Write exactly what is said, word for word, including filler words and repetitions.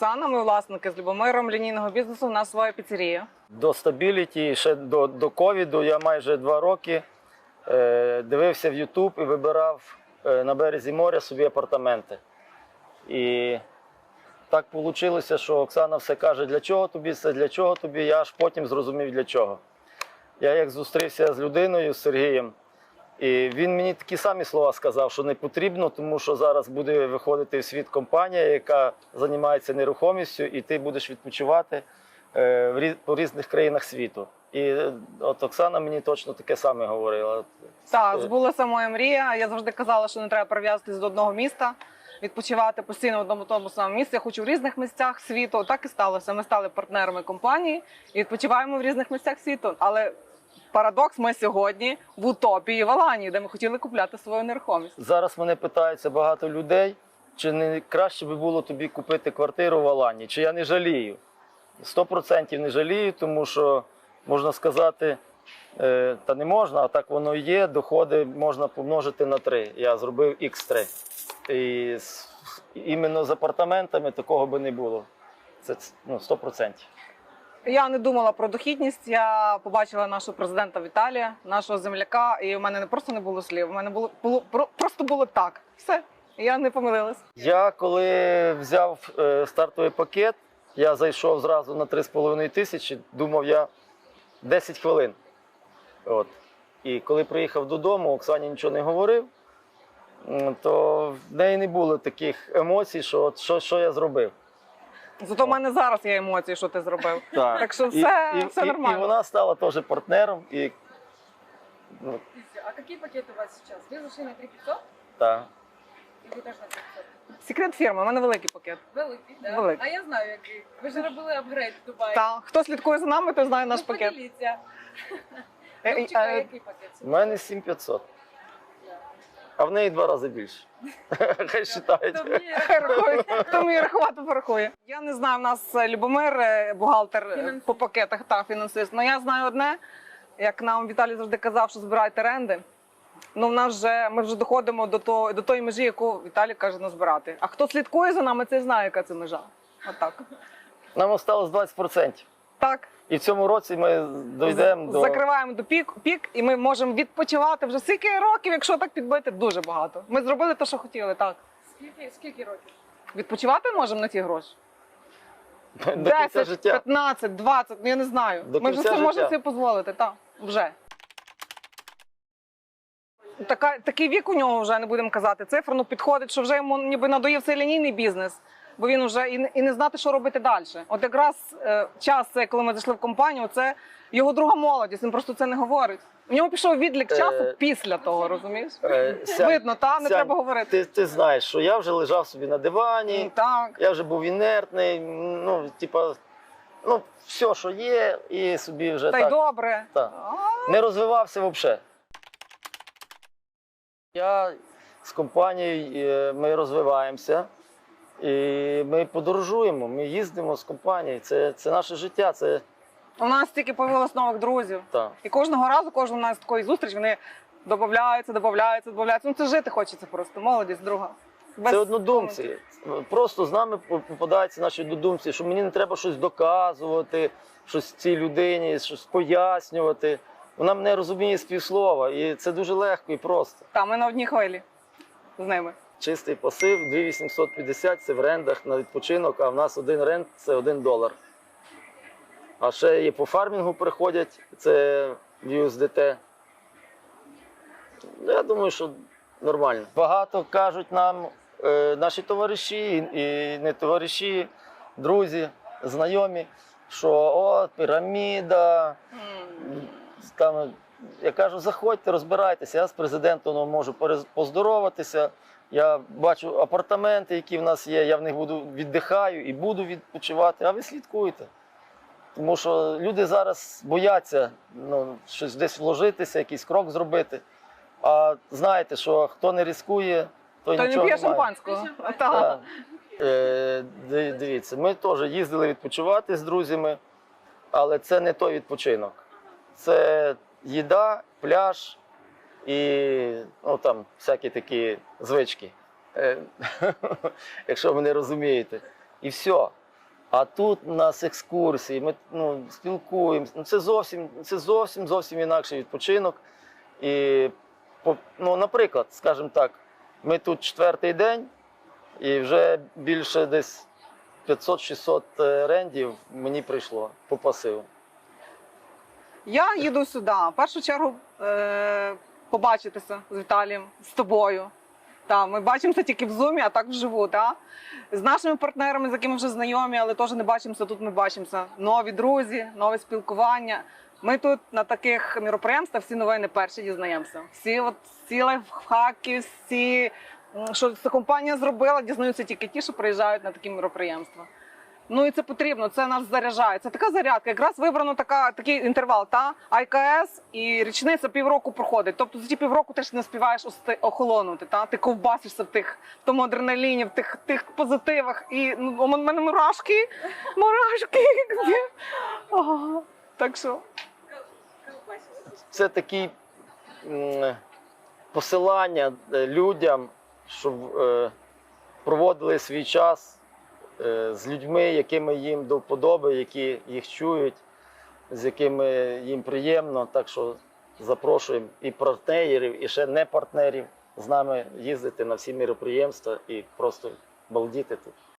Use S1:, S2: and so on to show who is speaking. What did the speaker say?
S1: Оксана, ми власники з Любомиром лінійного бізнесу, у нас своя піцерія.
S2: До стабіліті, ще до, до ковіду, я майже два роки е, дивився в Ютуб і вибирав е, на березі моря собі апартаменти. І так вийшло, що Оксана все каже, для чого тобі це, для чого тобі, я аж потім зрозумів, для чого. Я як зустрівся з людиною, з Сергієм, і він мені такі самі слова сказав, що не потрібно, тому що зараз буде виходити в світ компанія, яка займається нерухомістю, і ти будеш відпочивати по різних країнах світу. І от Оксана мені точно таке саме говорила.
S1: Так, збулася моя мрія. Я завжди казала, що не треба прив'язуватися до одного міста, відпочивати постійно в одному тому самому місці. Я хочу в різних місцях світу. Так і сталося. Ми стали партнерами компанії і відпочиваємо в різних місцях світу. Але парадокс, ми сьогодні в Утопії в Аланії, де ми хотіли купляти свою нерухомість.
S2: Зараз мене питаються багато людей, чи не краще би було тобі купити квартиру в Аланії, чи я не жалію. Сто процентів не жалію, тому що, можна сказати, е, та не можна, а так воно і є, доходи можна помножити на три. Я зробив ікс три. І з, іменно з апартаментами такого би не було. Це ну, сто процентів.
S1: Я не думала про дохідність, я побачила нашого президента Віталія, нашого земляка, і в мене не просто не було слів, у мене було, було просто було так. Все, я не помилилась.
S2: Я коли взяв е, стартовий пакет, я зайшов зразу на три з половиною тисячі, думав я десять хвилин. От. І коли приїхав додому, Оксані нічого не говорив, то в неї не було таких емоцій, що от, що, що я зробив.
S1: Зато в мене зараз є емоції, що ти зробив.
S2: Так,
S1: так що все,
S2: і,
S1: все
S2: і,
S1: нормально.
S2: І вона стала теж партнером. І, ну,
S3: а какие пакеты у вас сейчас? Вы зашли на три пятьсот?
S2: так.
S3: І ви теж на три п'ятсот?
S1: Секрет фірми, у мене великий пакет.
S3: Великий, так?
S1: Великий.
S3: А я знаю, який. Ви ж робили апгрейд в Дубаї.
S1: Так, хто слідкує за нами, той знає наш
S3: Ну,
S1: пакет.
S3: поділіться.
S1: Е,
S3: Любчика,
S1: е,
S3: який пакет?
S2: У мене сім п'ятсот, а в неї два рази більше. Хай вважають.
S3: То мені
S1: Хай рахує, хто вміє рахувати, порахує. Я не знаю, в нас Любомир, е, бухгалтер е,
S3: Фінансист.
S1: по пакетах, та фінансист. Але я знаю одне, як нам Віталій завжди казав, що збирайте оренди. Ну, в нас вже, ми вже доходимо до, того, до тої межі, яку Віталій каже назбирати. А хто слідкує за нами, цей знає, яка це межа. Отак.
S2: Нам осталось двадцять процентів.
S1: Так.
S2: І в цьому році ми дійдемо до...
S1: Закриваємо до пік, пік, і ми можемо відпочивати вже скільки років, якщо так підбити, дуже багато. Ми зробили те, що хотіли, так.
S3: скільки, скільки років?
S1: Відпочивати можемо на ті гроші?
S2: до кінця
S1: десять,
S2: життя.
S1: п'ятнадцять, двадцять, ну я не знаю.
S2: До
S1: Ми вже
S2: кінця
S1: це
S2: життя.
S1: можемо собі дозволити, так, вже. Така, такий вік у нього вже, не будемо казати цифру, ну підходить, що вже йому ніби надоїв цей лінійний бізнес, бо він вже і, не- і не знати, що робити далі. От якраз е, час, це, коли ми зайшли в компанію, це його друга молодість, він просто це не говорить. У нього пішов відлік
S2: Е,
S1: часу після того, розумієш?
S2: Е, Сянь,
S1: Видно, та, не
S2: Сянь,
S1: треба говорити.
S2: Ти, ти знаєш, що я вже лежав собі на дивані,
S1: Так.
S2: я вже був інертний, ну, типа, ну, все, що є, і собі вже
S1: Та й
S2: так,
S1: добре.
S2: так.
S1: А,
S2: не розвивався взагалі. Я з компанією, е, ми розвиваємося, і ми подорожуємо, ми їздимо з компанією, це, це наше життя, це
S1: У нас тільки появилось нових друзів.
S2: так.
S1: І кожного разу, кожного у нас такої зустріч, вони додаються, додаються, додаються. Ну це жити хочеться просто, молодість, друга. Без
S2: Це однодумці. Просто з нами попадаються наші однодумці, що мені не треба щось доказувати, щось цій людині, щось пояснювати. Вона мене розуміє з півслова, і це дуже легко і просто.
S1: Та, ми на одній хвилі з ними.
S2: Чистий пасив дві тисячі вісімсот п'ятдесят – це в рендах на відпочинок, а в нас один ренд – це один долар. А ще і по фармінгу приходять, це в ю ес ді те. Я думаю, що нормально. Багато кажуть нам е, наші товариші і не товариші, друзі, знайомі, що о, піраміда. Там, я кажу, заходьте, розбирайтеся, я з президентом можу перез- поздороватися, я бачу апартаменти, які в нас є, я в них буду віддихаю і буду відпочивати, а ви слідкуйте. Тому що люди зараз бояться ну, щось десь вложитися, якийсь крок зробити. А знаєте, що хто не ризикує, той
S1: То не
S2: нічого
S1: п'є
S2: не має.
S1: шампанського. Та.
S2: Так. Е, ди- Дивіться, ми теж їздили відпочивати з друзями, але це не той відпочинок. Це їда, пляж і ну, там, всякі такі звички, Е, якщо ви не розумієте. І все. А тут у нас екскурсії, ми ну, спілкуємося. Ну, це зовсім, це зовсім, зовсім інакший відпочинок. І, по- ну, наприклад, скажімо так, ми тут четвертий день і вже більше десь п'ятсот-шістсот рендів мені прийшло по пасиву.
S1: Я їду сюди. В першу чергу е- побачитися з Віталієм, з тобою. Та, ми бачимося тільки в зумі, а так вживу. Та? З нашими партнерами, з якими вже знайомі, але теж не бачимося, тут ми бачимося. Нові друзі, нове спілкування. Ми тут на таких міроприємствах всі новини перші дізнаємося. Всі, от, всі лайфхаки, всі, м, що ця компанія зробила, дізнаються тільки ті, що приїжджають на такі міроприємства. Ну і це потрібно, це нас заряджає. Це така зарядка. Якраз вибрано така, такий інтервал. Та А К С і річниця півроку проходить. Тобто за ті півроку ти ж не співаєш ости- охолонути. Та ти ковбасишся в тих в тому адреналіні, в тих тих позитивах. І ну, у мене мурашки, мурашки. Ага. Так що
S2: Це такі м, посилання е, людям, щоб е, проводили свій час е, з людьми, якими їм до вподоби, які їх чують, з якими їм приємно. Так що запрошуємо і партнерів, і ще не партнерів з нами їздити на всі міроприємства і просто балдіти тут.